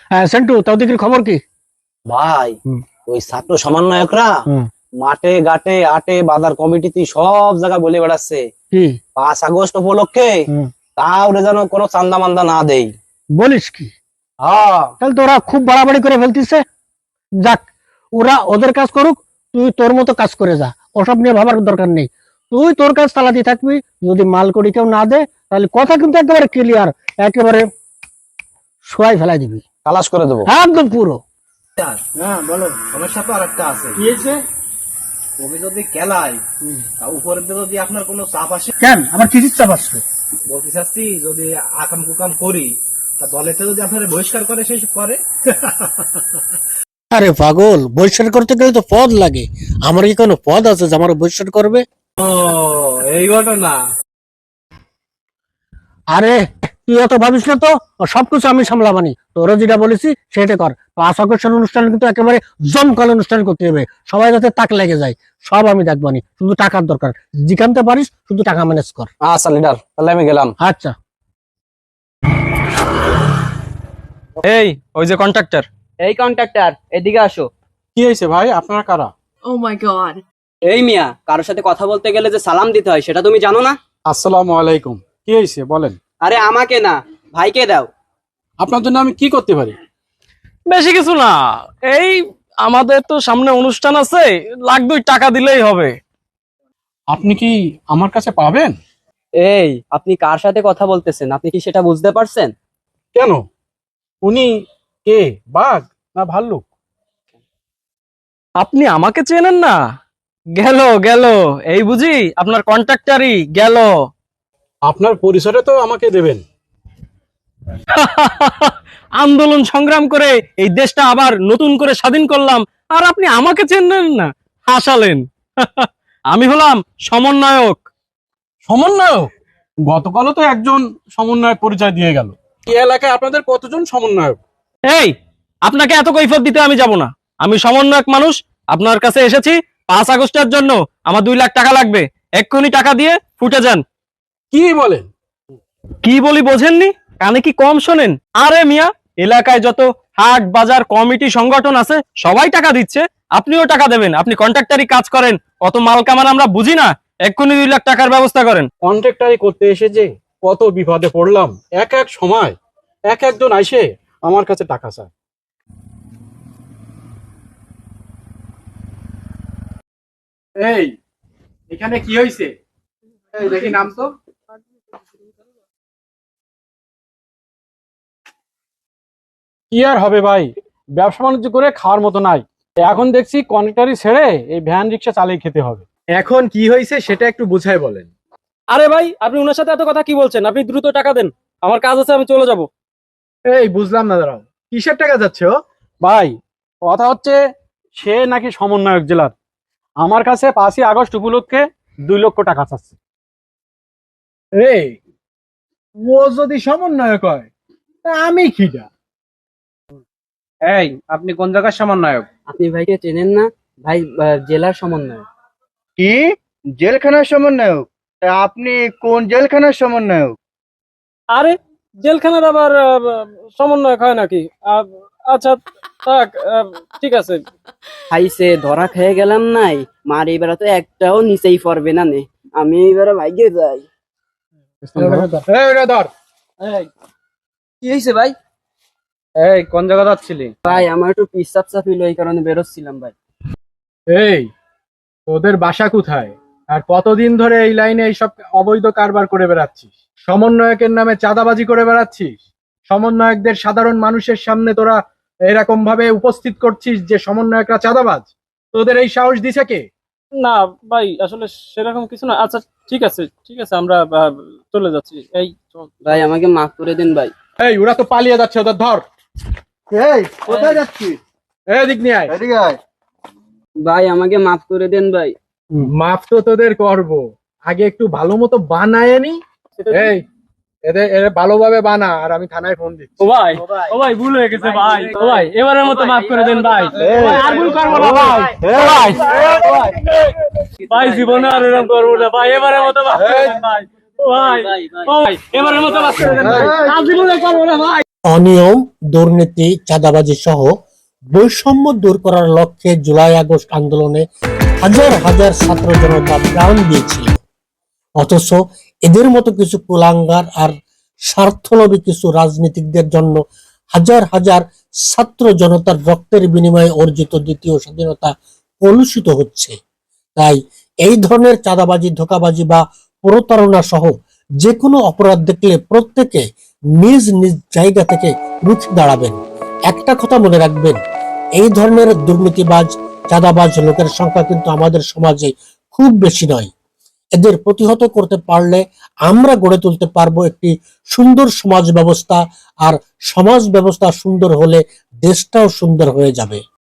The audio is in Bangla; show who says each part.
Speaker 1: হ্যাঁ সেন্টু, তাও দেখি খবর কি?
Speaker 2: ভাই
Speaker 1: হুম।
Speaker 2: ওই ছাত্র সমন্বয়করা
Speaker 1: হুম।
Speaker 2: মাঠে ঘাটে আটে বাজার কমিটিতে সব জায়গায় বলে বেড়াচ্ছে
Speaker 1: কি?
Speaker 2: 5 আগস্ট উপলক্ষে
Speaker 1: হুম।
Speaker 2: কাউরে যেন কোনো চান্দা মান্দা না দেই।
Speaker 1: বলিস কি?
Speaker 2: হ্যাঁ
Speaker 1: তাহলে তো ওরা খুব বাড়াবাড়ি করে ফেলতিছে। যাক, ওরা ওদের কাজ করুক, তুই তোর মতো কাজ করে যা, ওসব নিয়ে ভাবার দরকার নেই। তুই তোর কাজ চালাতে থাকবি। যদি মাল করি কেউ না দে, তাহলে কথা কিন্তু একেবারে ক্লিয়ার, একেবারে শোয়াই ফেলাই দিবি,
Speaker 2: খালাস করে দেবো।
Speaker 1: একদম পুরো।
Speaker 3: হ্যাঁ বলো, সমস্যা তো আর একটা আছে।
Speaker 1: কি হয়েছে?
Speaker 3: কবি যদি খেলায় তা উপরের দিকে যদি আপনার কোনো চাপ আসে,
Speaker 1: কেন আমার কি চাপ আসছে?
Speaker 3: বলতে চাচ্ছি যদি আকাম কুকাম করি তা দলেতে যদি আপনার বহিষ্কার করে সেই করে।
Speaker 1: আরে পাগল, বহিষ্কার করতে গেলে তো পদ লাগে। আমার কি কোনো পদ আছে যে আমার বহিষ্কার করবে?
Speaker 3: ও এই ঘটনা।
Speaker 1: আরে তুই অত ভাবিস না তো, ও সবকিছু আমি সামলাবানি। তোরা যেটা বলেছি সেটা কর। 5 আগস্টের অনুষ্ঠান কিন্তু একেবারে জমকাল অনুষ্ঠান করতে হবে, সবাই যাতে তাক লেগে যায়। সব আমি দেখবানি, শুধু টাকার দরকার। জিকানতে পারিস, শুধু টাকা ম্যানেজ কর।
Speaker 2: আচ্ছা লিডার, তাহলে আমি গেলাম।
Speaker 1: আচ্ছা।
Speaker 4: এই ওই যে কন্ট্রাক্টর।
Speaker 5: এই কন্ট্রাক্টর, এদিকে আসো।
Speaker 4: কি হয়েছে ভাই, আপনারা কারা?
Speaker 6: Oh my god.
Speaker 5: এই মিয়া, কারোর সাথে কথা বলতে গেলে যে সালাম দিতে হয় সেটা তুমি জানো না?
Speaker 4: আসসালামু আলাইকুম। কি হয়েছে বলেন।
Speaker 5: আরে আমাকে না, ভাইকে দাও।
Speaker 4: আপনার জন্য আমি কি করতে পারি?
Speaker 7: বেশি কিছু না, এই আমাদের তো সামনে অনুষ্ঠান আছে, লাখ 2 টাকা দিলেই হবে।
Speaker 4: আপনি কি আমার কাছে পাবেন?
Speaker 5: এই আপনি কার সাথে কথা বলতেছেন, আপনি কি সেটা বুঝতে পারছেন?
Speaker 4: কেন? উনি কে, বাঘ না ভাল্লুক?
Speaker 7: আপনি আমাকে চেনেন না? গেল গেল, এই বুঝি আপনার কন্ট্রাক্টরই গেল।
Speaker 4: আপনার পরিসরে তো আমাকে দেবেন।
Speaker 7: আন্দোলন সংগ্রাম করে এই দেশটা আবার নতুন করে স্বাধীন করলাম, আর আপনি আমাকে চেনেন না? হাসালেন। আমি হলাম সমন্বয়ক।
Speaker 4: সমন্বয়ক? গতকালও তো একজন সমন্বয়ক পরিচয় দিয়ে গেল। এই এলাকায় আপনাদের কতজন সমন্বয়ক?
Speaker 7: এই, আপনাকে এত কৈফিয়ত দিতে আমি যাব না। আমি সমন্বয়ক মানুষ, আপনার কাছে এসেছি 5 আগস্টের জন্য। আমার 2 লাখ টাকা লাগবে, এক্ষুনি টাকা দিয়ে ফুটে যান।
Speaker 4: কি বলেন?
Speaker 7: কি বলি বোঝেননি? কানে কি কম শোনেন? আরে মিয়া, এলাকায় যত হাট বাজার কমিটি সংগঠন আছে সবাই টাকা দিচ্ছে, আপনিও টাকা দেবেন। আপনি কন্ট্রাক্টরি কাজ করেন, অত মাল কামান আমরা বুঝি না। এক্ষুনি 2 লাখ টাকার ব্যবস্থা করেন।
Speaker 4: কন্ট্রাক্টরি করতে এসে যে কত বিপদে পড়লাম। এক এক সময় এক একজন আইসে আমার কাছে টাকা চায়। এই, এখানে কি হয়েছে? এই দেখি নাম তো। কি আর হবে ভাই, ব্যবসা বাণিজ্য করে খাওয়ার মতো নাই। এখন দেখছি কন্ট্রাক্টরি ছেড়ে এই ভ্যান রিক্সা চালিয়ে খেতে হবে।
Speaker 8: এখন কি হয়েছে সেটা একটু বুঝাই বলেন।
Speaker 7: আরে ভাই, আপনি ওনার সাথে এত কথা কি বলছেন? আপনি দ্রুত টাকা দেন, আমার কাজ আছে, আমি চলে যাব।
Speaker 8: এই বুঝলাম না, দাঁড়াও, কিসের টাকা যাচ্ছে ও?
Speaker 4: ভাই কথা হচ্ছে, সে নাকি সমন্বয়ক জেলার, আমার কাছে 5 আগস্ট উপলক্ষে 2 লক্ষ টাকা চাচ্ছে।
Speaker 8: এই ও যদি সমন্বয়ক হয় তা আমি খিটা।
Speaker 3: এই আপনি কোন জায়গার সমন্বয়ক?
Speaker 5: আপনি ভাইকে চেনেন না? ভাই জেলার সমন্বয়ক।
Speaker 9: কি জেলখানার সমন্বয়ক? তা আপনি কোন জেলখানার সমন্বয়ক?
Speaker 7: আরে জেলখানার আবার সমন্বয়ক হয় নাকি? আচ্ছা থাক, ঠিক আছে।
Speaker 5: খাইছে ধরা খেয়ে গেলাম নাই, মার এবার তো একটাও নিচেই পড়বে না নে। আমি এবারে ভাইকে যাই।
Speaker 8: এই ওটা ধর।
Speaker 5: কি হয়েছে ভাই?
Speaker 3: এই কোন জায়গা যাচ্ছিলি?
Speaker 5: ভাই আমার একটু পিসাব চাপিল, এই কারণে বেরোচ্ছিলাম ভাই।
Speaker 8: এই তোদের বাসা কোথায়, আর কতদিন ধরে এই লাইনে এইসব অবৈধ কারবার করে বেড়াচ্ছিস? সমন্বয়কের নামে চাঁদাবাজি করে বেড়াচ্ছিস। সমন্বয়কদের সাধারণ মানুষের সামনে তোরা এরকম ভাবে উপস্থিত করছিস যে সমন্বয়করা চাঁদাবাজ। তোদের এই সাহস দিছে কে?
Speaker 7: না ভাই, আসলে সেরকম কিছু না। আচ্ছা ঠিক আছে ঠিক আছে, আমরা চলে যাচ্ছি। এই চল।
Speaker 5: ভাই আমাকে মাফ করে দিন ভাই।
Speaker 8: এই ওরা তো পালিয়ে যাচ্ছে, ওদের ধর।
Speaker 9: এই কোথায় যাচ্ছিস?
Speaker 8: এদিক নিয়ে আয়।
Speaker 9: এদিকে আয়।
Speaker 5: ভাই আমাকে মাফ করে দেন ভাই।
Speaker 8: মাফ তো তোদের করব, আগে একটু ভালো মতো বানায় নি। এই এদের ভালোভাবে বানা, আর আমি থানায় ফোন দিচ্ছি।
Speaker 7: ও ভাই, ও ভাই ভুল হয়ে গেছে ভাই। ও ভাই এবারের মতো মাফ করে দেন ভাই। আর ভুল করবো না ভাই। ভাই ভাই জীবনে আর এরকম করবো না ভাই, এবারের মতো মাফ করে দেন ভাই। ও ভাই, ও ভাই এবারের মতো মাফ করে দেন ভাই, আর জীবনে করবো না ভাই।
Speaker 1: অনিয়ম, দুর্নীতি, চাঁদাবাজি সহ বৈষম্য দূর করার লক্ষ্যে জুলাই আগস্ট আন্দোলনে হাজার হাজার ছাত্র জনতা প্রাণ দিয়েছিল। অথচ এদের মতো কিছু কুলাঙ্গার আর স্বার্থলোভী কিছু রাজনীতিকদের জন্য হাজার হাজার ছাত্র জনতার রক্তের বিনিময়ে অর্জিত দ্বিতীয় স্বাধীনতা কলুষিত হচ্ছে। তাই এই ধরনের চাঁদাবাজি, ধোঁকাবাজি বা প্রতারণা সহ যে কোনো অপরাধ দেখলে প্রত্যেকে নিজ নিজ জায়গা থেকে রুখে দাঁড়াবেন। একটা কথা মনে রাখবেন, এই ধরনের দুর্নীতিবাজ, চাঁদাবাজ লোকের সংখ্যা কিন্তু আমাদের সমাজে খুব বেশি নয়। এদের প্রতিহত করতে পারলে আমরা গড়ে তুলতে পারবো একটি সুন্দর সমাজ ব্যবস্থা, আর সমাজ ব্যবস্থা সুন্দর হলে দেশটাও সুন্দর হয়ে যাবে।